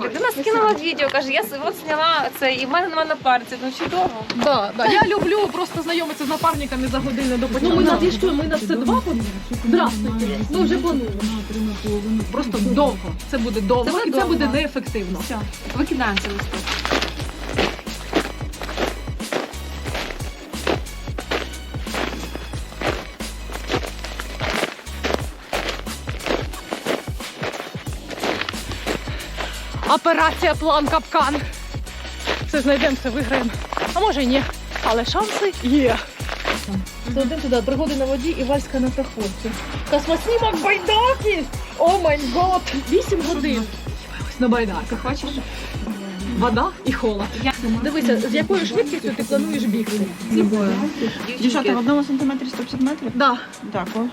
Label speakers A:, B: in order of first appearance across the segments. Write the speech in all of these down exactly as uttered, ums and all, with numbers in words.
A: Людина скинула відео, каже, я от зняла це, і в мене нема напарниці, ну чудово.
B: Да, да. Я люблю просто знайомитися з напарниками за годину до початку. Ну ми надійшли, ми на це два. Здравствуйте. Ми вже плануємо. Просто довго. Це буде довго
A: Це буде
B: і це
A: довго.
B: буде неефективно.
A: Все, викидаємо цей листок.
B: Операція план капкан. Все знайдемо, все виграємо. А може і ні. Але шанси є. Це один туди, пригоди на воді і вальська на проходці. Космоснімок байдаки! О май гот! Вісім годин. Ось на байдарках, бачиш? Вода і холод. Дивися, з якою швидкістю ти плануєш бігти? З якою?
C: Дівчата, в одному сантиметрі сто п'ятдесят метрів?
B: Да.
C: Так, о.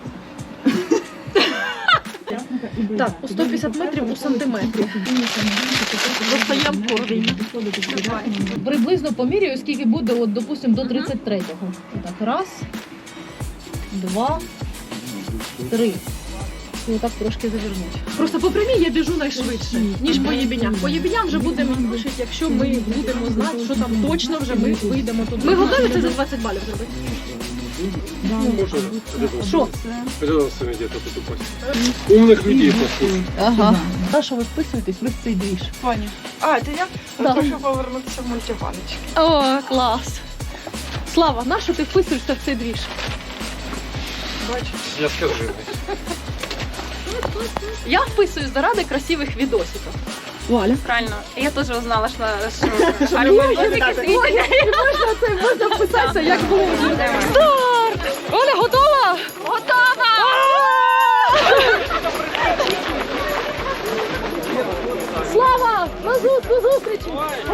B: Так, у сто п'ятдесят метрів у сантиметрі. Достаємо кордень. Приблизно поміряю, скільки буде, от, допустимо, до тридцять третього. Так, раз, два, три. І отак трошки завернуть. Просто по прямій я біжу найшвидше, ніж по єбінях. По єбіням вже будемо вишити, якщо ми будемо знати, що там точно вже ми вийдемо туди. Ми готові це за двадцять балів зробити? Що?
D: Пожалуйста, где-то тут упасть. Умных людей послушай.
B: Ага. На що ви вписуєтесь, ви в цей двіж?
C: Пані. А, це я
B: Да.
C: прошу повернутися в мультиваночки.
B: О, клас. Слава, на що ти вписуєшся в цей двіж?
C: Бачиш?
D: Я скажу.
B: Я вписуюсь заради красивих відосиків. Валя.
A: Правильно. Я теж узнала, що... що...
B: Ой, можна це, можна вписатися як блогер. Старт! Оля, готова?
A: Готова!
B: Слава! На зу- до зустрічі!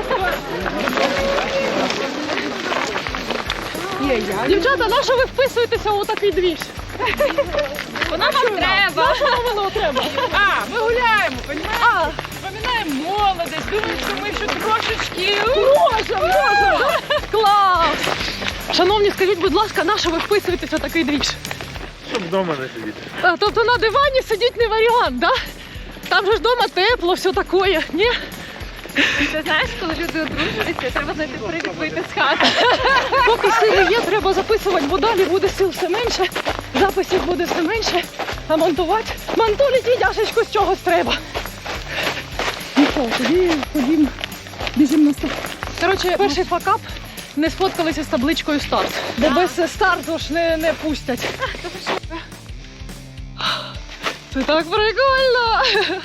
B: Дівчата, на що ви вписуєтеся у такий двіж?
A: Воно вам треба!
B: Що вам воно треба?
C: А, ми гуляємо, розумієте?
B: А,
C: Вспоминаємо молодість, думаємо, що ми ще трошечки...
B: може, може! Клас! Шановні, скажіть, будь ласка, на що ви вписуєтеся у такий двіж?
D: Щоб вдома не сидіти.
B: А, тобто на дивані сидіть не варіант, да? Там же ж вдома тепло, все таке, ні?
A: Ти знаєш, коли люди одружуються, треба знайти привід вийти з хати.
B: Поки сили є, треба записувати, бо далі буде сил все менше, записів буде все менше, а монтувати? Монтулі дідяшечку з чогось треба. Ну що, тоді ходім, біжимо на старт. Коротше, перший факап, не сфоткалися з табличкою старт, бо без старту ж не, не пустять. Це так прикольно!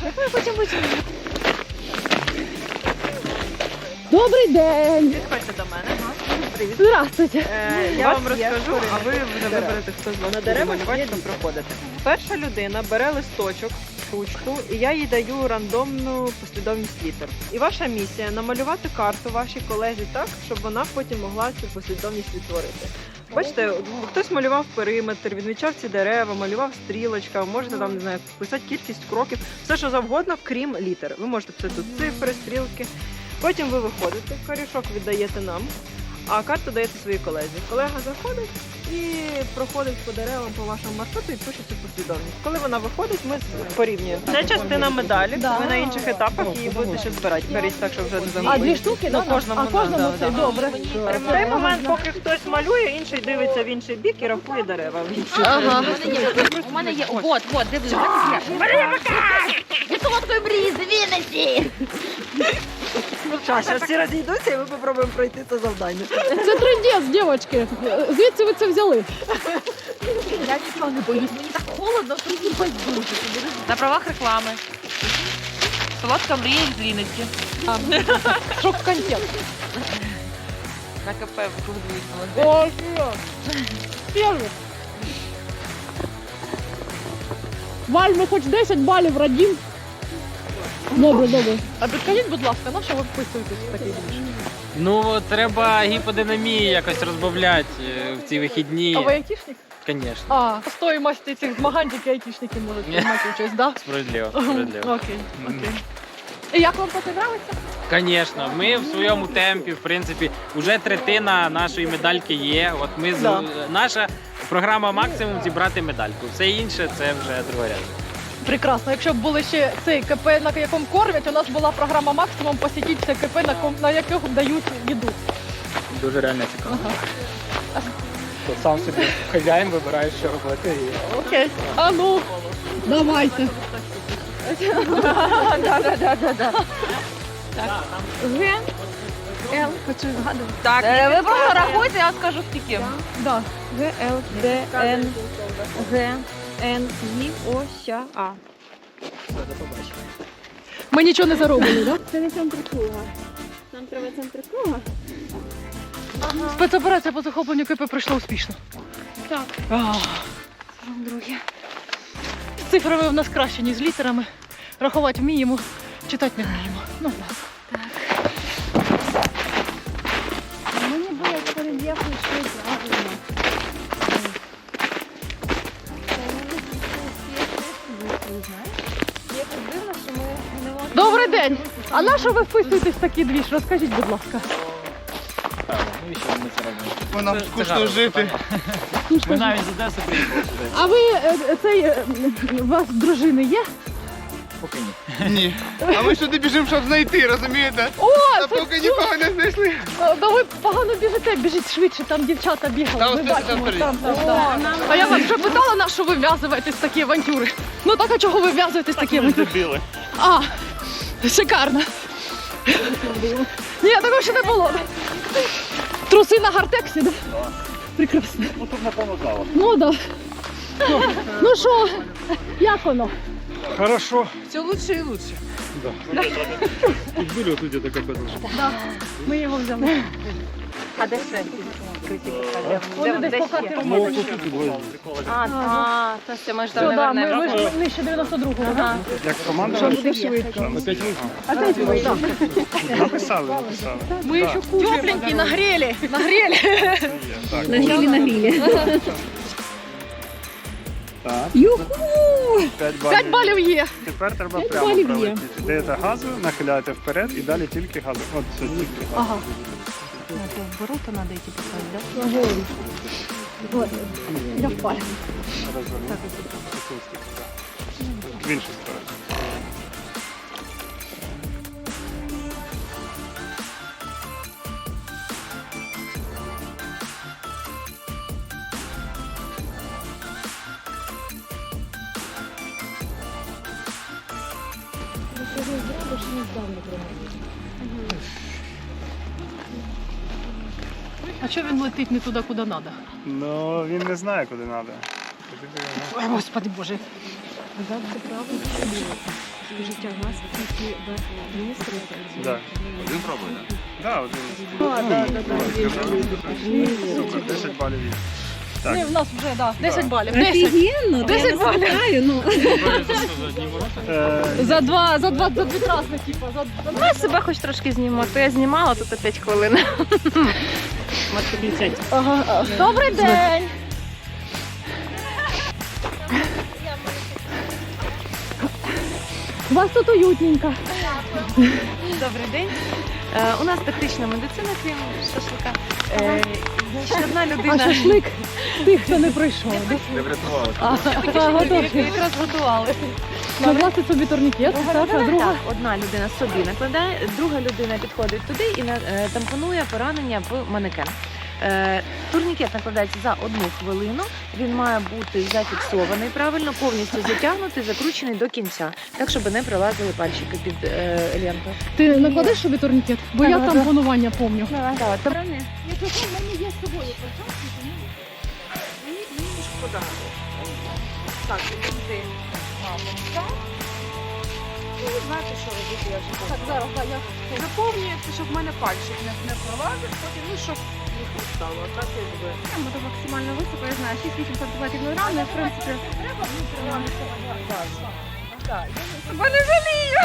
B: Добрий день!
C: Підходьте до мене. Привіт.
B: Здравствуйте!
C: Е, я вам розкажу, а ви вже виберете, хто з вас буде малювати, хто проходите. Перша людина бере листочок, ручку, і я їй даю рандомну послідовність літер. І ваша місія намалювати карту вашій колезі так, щоб вона потім могла цю послідовність відтворити. Бачите, хтось малював периметр, відмічав ці дерева, малював стрілочка, можете там, не знаю, писати кількість кроків, все що завгодно, крім літер. Ви можете писати тут цифри, стрілки. Потім ви виходите, корішок віддаєте нам, а карту даєте своїй колезі. Колега заходить і проходить по деревам по вашому маршруту і пише цю послідовність. Коли вона виходить, ми порівнюємо. Це частина медалі,
B: Да.
C: ви на інших етапах її будете ще збирати. Беріть так, щоб вже не
B: А
C: загубити.
B: дві штуки?
C: Ну,
B: да?
C: кожному,
B: а кожному
C: да,
B: це
C: да.
B: добре.
C: В той момент, поки хтось малює, інший дивиться в інший бік і рахує дерева. в інший.
B: Ага.
A: У мене є, от, от, дивись, у мене є. Я солодкої брізи, Вінниці!
C: Зараз всі розійдуться і ми спробуємо пройти це завдання.
B: Це трендець, дівчатки. Звідси ви це взяли?
A: Я нічого не боюсь, мені так холодно, що мені байдуже. На правах реклами. Солодка мрія з Вінниці.
B: Шок-контент.
A: На КП викладують.
B: О, Перший. Валь, ми хоч десять балів радім. Добре, добре. А підкажіть, будь ласка, на що ви вписуєтесь в такий двіж?
E: Ну, треба гіподинамію якось розбавляти е, в ці вихідні.
B: А ви айтішник?
E: Звісно.
B: А, по стоїмості цих змагань тільки айтішники можуть
E: Ні.
B: приймати участь, так?
E: Справедливо,
B: Да?
E: справедливо.
B: Окей, окей. І як вам поки подобається?
E: Звісно, ми в своєму темпі, в принципі, вже третина нашої медальки є. От ми з-
B: Да.
E: наша програма максимум зібрати медальку. Все інше це вже другорядно.
B: Прекрасно. Якщо б були ще цей КП, на якому кормять, у нас була програма максимум посітіть це КП, на, ком- на якому дають їду.
E: Дуже реально цікаво.
B: Ага.
E: То сам собі хазяїн вибирає, що робити. І...
B: Окей. А ну, давайте.
A: Г, Л, хочу згадувати. Так, ви просто рахуйте, я скажу скільки.
B: Да.
A: Г, Л, Д, Н, Г, Н, І, О, Щ, А.
B: Ми нічого не заробили, так?
F: Це не центр круга. Нам треба центр круга.
B: Спецоперація по захопленню КП пройшла успішно.
F: Так.
B: Ах.
F: Друге.
B: З цифрами в нас краще, ніж з літерами. Рахувати вміємо, читати не вміємо. Ну, ладно.
F: Мені було по рельєфу йшли правильно. Якось дивно, що ми не можемо...
B: Добрий день! А на що ви вписуєтесь в такий двіж? Розкажіть, будь ласка.
E: Ну і що ми це робимо?
G: Бо нам скучно жити.
E: Ми навіть з Одеси приїхали сюди.
B: А ви е, е, цей е, у вас дружини є?
E: Поки ні.
G: Ні. А ми сюди біжимо, щоб знайти, розумієте?
B: О,
G: Та
B: це
G: поки нікого не знайшли.
B: Е, да ви погано біжите, біжіть швидше, там дівчата бігали.
G: Та
B: Ми
G: ось це там
B: бачимо,
G: перед.
B: там, там, там. А я вас вже питала, на що ви вв'язуєтесь в такі авантюри? Ну так, а чого ви вв'язуєтесь в такі авантюри? А, шикарно. Ні, такого ще не було. Труси на гартексі, да? Прекрасно.
D: Ну тут напевно зала.
B: Ну да. Ну що, як воно?
D: Хорошо.
A: Все лучше і лучше.
D: Да. Тут были вот где-то КП должны.
B: Да, ми його взяли.
A: А де це?
B: Вони десь по карті
D: Ну,
B: робили.
D: тут тут двоє.
A: А, а, то все, ми ж там
B: Все,
A: не
B: да, ми,
A: вернемо.
B: ми ж нижче дев'яносто другого, так?
D: Як команда?
B: Що буде швидко.
D: Опять ви?
B: Опять ви, так.
D: Написали, написали.
B: Ми ще тепленькі, нагрели, нагрели.
D: Так.
F: Нагрілі, нагрілі.
D: Так.
G: П'ять
B: П'ять балів є.
D: Тепер треба
F: П'ять
D: прямо
F: балів є.
D: пролетіти. Даєте газу, нахиляєте вперед і далі тільки газу. От все тільки.
B: Ага.
A: Ворота треба йти поставити, так?
B: Я впала.
D: Розвернути. В іншу сторону.
B: А чого він летить не туди, куди треба?
D: Ну, він не знає, куди треба.
B: Ой, Господи Боже.
F: Скажіть, а у вас такі міністри?
D: Да.
G: Один пробує, так?
D: Да, один.
F: А, да, да, да.
D: Супер, десять балів є. Так.
B: Ні, в нас вже, да, десять балів. десять.
F: Офігенно,
B: Десять
F: я вас вітаю, ну.
D: Е,
B: За два, за два, за дві траси, типа, за за-
A: Ну, себе хоч трошки зніму, то я знімала, тут п'ять хвилин.
B: Ага. Добрий день. У вас тут уютненько.
A: Добрий день. Е, у нас тактична медицина, крім шашлика. Е, значить, одна
B: А
A: людина...
B: шашлик тих, хто не пройшов. да?
G: Не врятували.
B: А, а, готові.
A: Якраз готували.
B: Накласти собі турнікет, так, а друга.
A: Так, одна людина собі накладає, друга людина підходить туди і на- е, тампонує поранення в манекен. Е, Турнікет накладається за одну хвилину, він має бути зафіксований правильно, повністю затягнутий, закручений до кінця, так, щоб не пролазили пальчики під е, ленту.
B: Ти накладеш собі турнікет? Бо я
A: Так,
B: там
A: так.
B: панування пам'ятаю.
A: Так, там- Так, іди. Ну, ви знаєте, що робити, я вже
B: Так, зараз, так, я.
A: заповнюється, щоб в мене пальчик не, не пролазив, потім, ну, щоб їх не стало. Так, якби.
F: Там буде максимально високо, я знаю, шість-вісім сантиметрів над рами, в принципі.
A: Бо не жалію!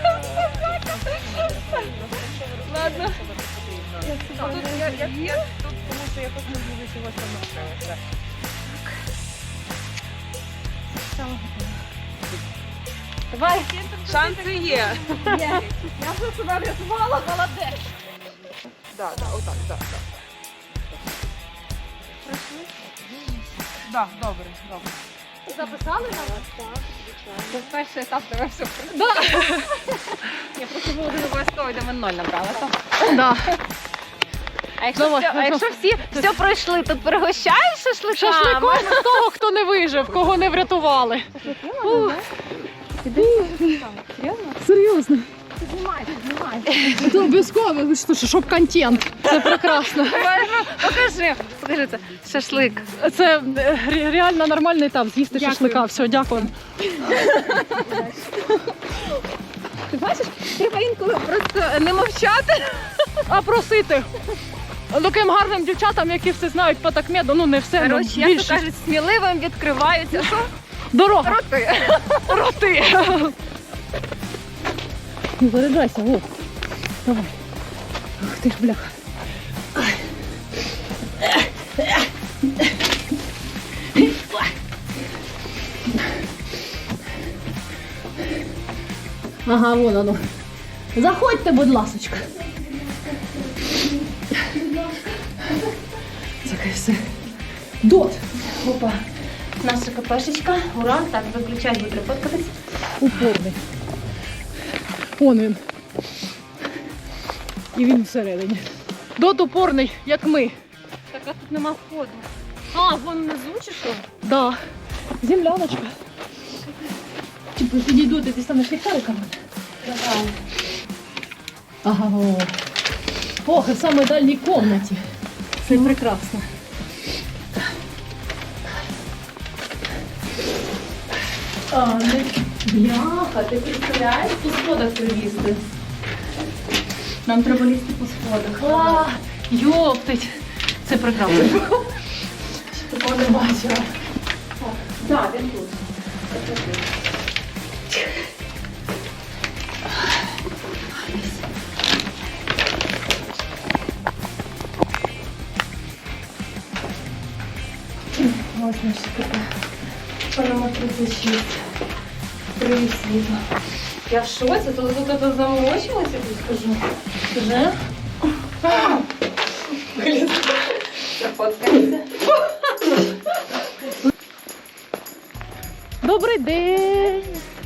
A: Ладно. Тут я, я, я тут, тому що я тут не буду чогось там навчилася. Давай, шанси є.
B: Я вже себе врятувала, молодець.
A: Да, да, отак, да, да. Да, добре, добре.
B: Записали нас?
F: Це перший етап тебе все.
B: Да.
F: Я просто було дуже обов'язково йдемо ноль набрали.
B: Да.
F: А якщо,
B: Давай,
F: все, а якщо всі все пройшли, то пригощають шашликами?
B: Шашликом з того, хто не вижив, кого не врятували. Ух. Серйозно?
F: Знімайте, знімайте.
B: Це обов'язково, ви що, щоб контент. Це прекрасно.
F: Покажи, покажи це. Шашлик.
B: Це е, ре- реально нормальний етап, з'їсти
F: Дякую.
B: шашлика. Все, дякую.
F: Ти бачиш, треба інколи просто не мовчати.
B: А просити. Таким гарним дівчатам, які все знають по такмеду, ну не все, ну
F: Коротше, як то
B: більше.
F: кажуть, сміливим відкриваються. Що?
B: Дорога.
F: Роти.
B: Роти. Не заряджайся, о. Давай. Ух ти ж, бляха. Ага, вон оно. Заходьте, будь ласочка. Таке все. Дот.
F: Опа. Наша КПшечка. Ура. Так, виключай, буде фоткатись.
B: Упорний. Он він. І він всередині. Дот упорний, як ми.
F: Так, а тут нема входу. А, вон внизу чи що?
B: Да. Земляночка. Типу, підійду, ти станеш ліхтариком. Ага. О. Ох, і в самій дальній кімнаті. Це прекрасно. А, не... Бляха, ти представляєш, по сходах прилізти.
F: Нам треба лізти по сходах.
B: А, йоптить. Це прекрасно. Такого не бачила.
F: Так, він тут.
B: Ось наша така. Панама тридцять шість. Привіт, світло.
F: Я в шоці, то тут это заморочилася, тут скажу.
B: Вже?
F: Зафоткається.
B: Добрий день!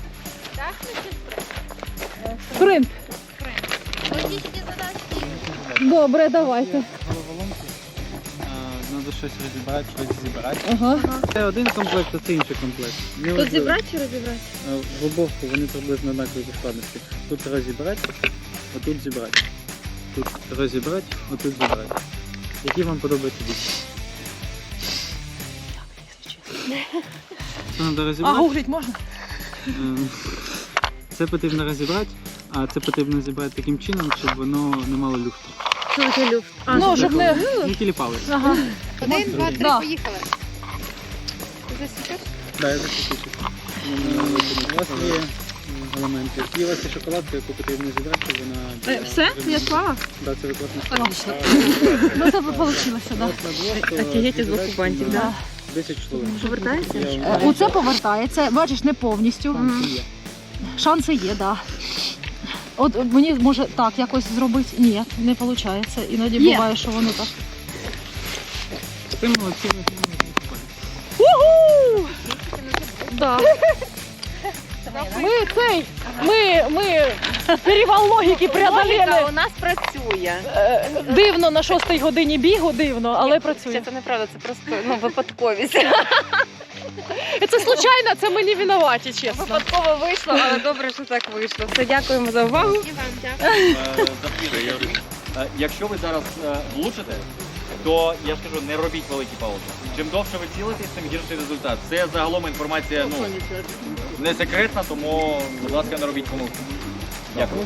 B: Спринт. Добре, давайте.
H: Треба щось розібрати, щось зібрати.
B: Ага.
H: Це один комплект, а це інший комплект.
F: Тут зібрати чи розібрати?
H: В обов'язку вони приблизно однакові по складності. Тут розібрати, отут зібрати. Тут розібрати, отут зібрати. Які вам подобаються більше? Це треба
B: А
H: розібрати.
B: гуглить можна?
H: Ем, Це потрібно розібрати, а це потрібно зібрати таким чином, щоб воно не мало люфту.
F: Що таке люфт?
B: Ну, щоб не...
H: Не тіліпали.
B: Ага.
F: Один, два, три,
B: Да.
F: поїхали. Ти засікаєш?
H: Так, я закінчу. У вас є елементи. І у вас є шоколадка, яку потрібно зібрати, щоб вона...
F: Все? Я склала?
H: Так, це викладно.
B: Ну, це вийшло, так.
A: Офігеть, з двох кубантів,
B: Да.
H: десять хвилин.
A: Повертається?
H: Я-
B: Оце повертається, бачиш, не повністю.
H: Шанси є.
B: Шанси є, так. Да. От мені може так якось зробити. Ні, не виходить. Іноді
F: Є.
B: буває, що воно так.
H: Ти молодці, ви
B: Уху! Да. Ми цей, ми, ми перевал логіки преодолели.
A: Логіка у нас працює.
B: Е, Дивно на шостій годині бігу, дивно, але працює.
A: Це неправда, це просто ну, випадковість.
B: І це случайно, це ми не винуваті, чесно.
A: Випадково вийшло, але добре, що так вийшло. Все, дякуємо за увагу.
I: Запіра, я говорю, е, якщо ви зараз е, влучите, то я ж кажу, не робіть великі паузи. Чим довше ви цілитесь, тим гірший результат. Це загалом інформація ну, не секретна, тому, будь ласка, не робіть помилки. Дякую.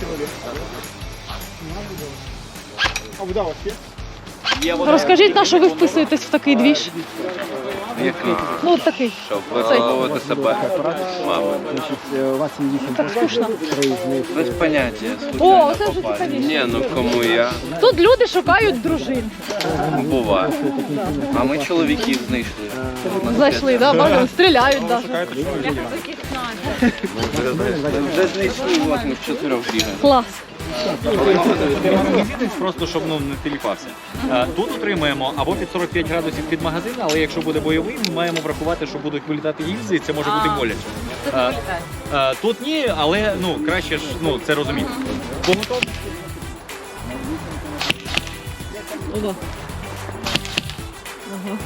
D: А вода у вас є?
I: Є вода.
B: Розкажіть, на що ви вписуєтесь в такий двіж?
G: Який?
B: Ну, от такий.
G: Щоб виховувати себе. Мабуть.
B: Так скучно.
G: Без поняття.
B: О, це вже цікавіше.
G: Ні, ну кому я?
B: Тут люди шукають дружин.
G: Буває. А ми чоловіків знайшли.
B: Зайшли, да, бачили, стріляють навіть.
G: Вже знайшли, ось ми в чотирьох бігаємо.
B: Клас.
I: Мізинець просто, щоб ну, не теліпався. Е, Тут отримаємо або під сорок п'ять градусів під магазин, але якщо буде бойовий, ми маємо врахувати, що будуть вилітати гільзи, і це може бути боляче. Е, е, Тут ні, але ну, краще ж ну, це розуміти. Поготов?
B: Ого. Ага.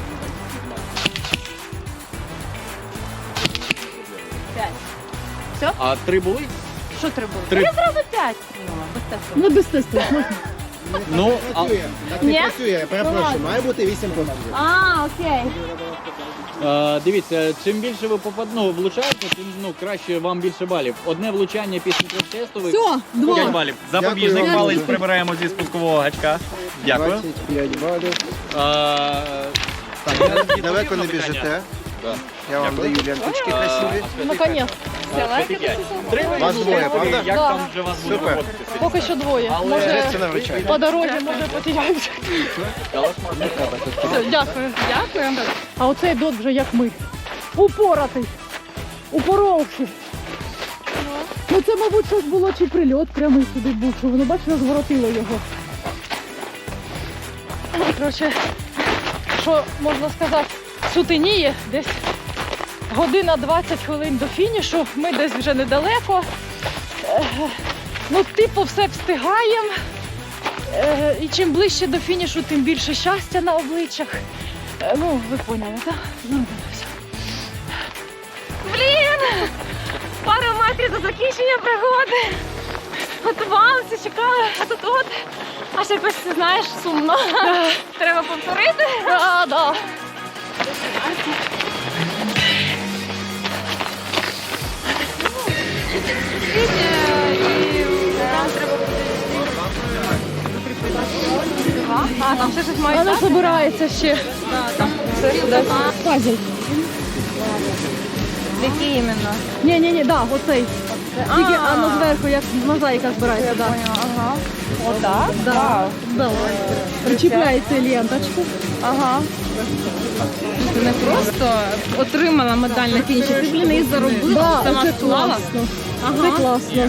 I: А три були?
A: Що треба?
I: Три.
A: Я зразу п'ять. Ну, без тесту.
B: Ну без тесту можна.
I: Ну, а,
J: Так не працює, я перепрошую, має бути вісім пострілів.
F: А, окей.
I: е, дивіться, чим більше ви попад... ну, влучаєте, тим ну, краще вам більше балів. Одне влучання після трьох тестових.
B: Все, два.
I: п'ять балів. Запобіжник
J: Дякую.
I: палець прибираємо зі спускового гачка. Дякую.
J: двадцять п'ять балів.
I: Е,
J: Так, далеко не біжите. Я вам даю ленточки красиві.
B: Наконець.
I: Три
J: Вас двоє, правда?
I: Як
B: Да.
I: там вже вас буде
J: Супер.
I: поводитися?
B: Поки що двоє.
I: Але
B: Може
J: Це навчає.
B: по дорозі, може потеряємося. Все, дякую. Дякую. А оцей дот вже як ми. Упоратий. Упоровши. Ну це, мабуть, щось було чи прильот прямий сюди був, що воно, бачиш, розворотило його. Ну, коротше, що можна сказати, сутеніє десь година двадцять хвилин до фінішу. Ми десь вже недалеко. Е, Ну, типу, все встигаємо. Е, І чим ближче до фінішу, тим більше щастя на обличчях. Е, Ну, ви поняли, так? Ну, все.
F: Блін! Пару метрів до закінчення пригоди. Готувалися, чекали, а тут от. А ще якось, ти знаєш, сумно. Треба повторити.
B: Так, так.
F: А, там ще щось має
B: Вона
F: бути.
B: збирається ще. Пазл.
F: Які іменно?
B: Ні, ні, ні, да, оцей. Тільки воно зверху, як мозаїка збирається, да.
F: Ага. Отак?
B: Да. Да. Причіпляється ленточку.
F: Ага. Ти не просто отримала медаль на фініші, ти, блін, її заробила,
B: Да,
F: сама
B: це
F: склала.
B: класно. Це класно.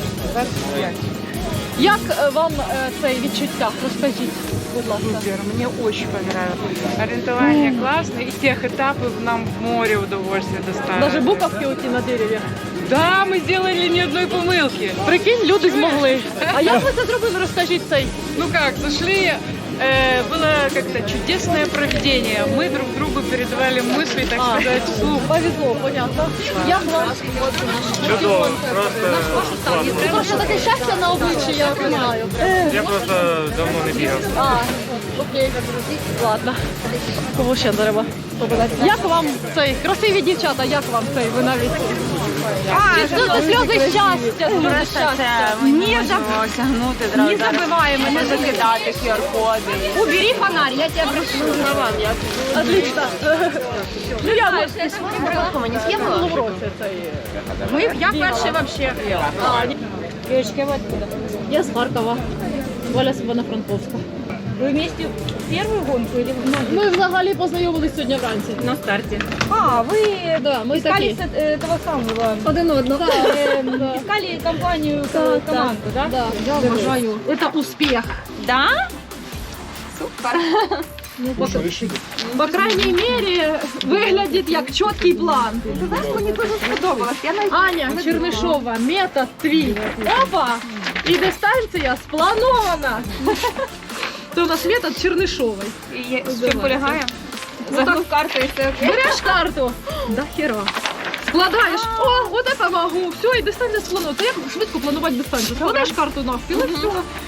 B: Як е, вам е, це відчуття? Розкажіть, будь ласка.
K: Супер, мне очень понравилось. Ориентование классное, и тех этапов нам в море удовольствие доставило.
B: Навіть буковки оті на дереві.
K: Да, мы сделали ни одной помылки.
B: Прикинь, люди змогли. А як ви це зробили? Розкажіть цей.
K: Ну как, зашли, э, было как-то чудесное проведение. Мы друг другу передавали мысли, так
B: А.
K: сказать, вслух.
B: Повезло, понятно. Як вам?
D: Чудово, просто
B: Це просто таке щастя на обличчі, я не знаю.
D: я просто давно не бігав.
B: А, окей. Ладно. Кого ще треба? Як вам цей? Красиві дівчата, як вам цей? Ви навіть... Чи сльози, сльози щастя, сльози щастя.
A: Мені вже осягнути одразу.
F: Не забиваємо,
A: Не закидати ку ар-коди.
F: Убери фонарь, я тебе прошу.
B: Отлично. Ну я б
F: Не съела?
B: було в році цей.
F: Ми, я перший вообще.
B: А, ні.
F: Девочки, вы откуда?
B: Я з Харкова. Оля з Івано-Франковська.
F: Вы вместе первую гонку или в многих?
B: Ми взагалі познайомились сьогодні вранці.
F: На старте. А, вы
B: Да, ми
F: искали
B: такі.
F: с- э, этого самого,
B: Один одного.
F: э, искали компанию,
B: Так,
F: команду, да?
B: Да, я вважаю. Це успіх.
F: Да? Супер.
B: Ну, по, по крайній мірі, виглядить як чіткий план.
F: Ти знаєш, мені дуже сподобалось. Я навіть
B: Аня Чернишова, метод твій. Опа! І дистанція спланована. Це у нас метод Чернишової.
F: є- що полягає? Загнув карту і все окей.
B: Береш карту. Да хера. Складаєш, о, от це могу, все, і дистанція спланована. Це як швидко планувати дистанцію. Складаєш карту навпіл, і все.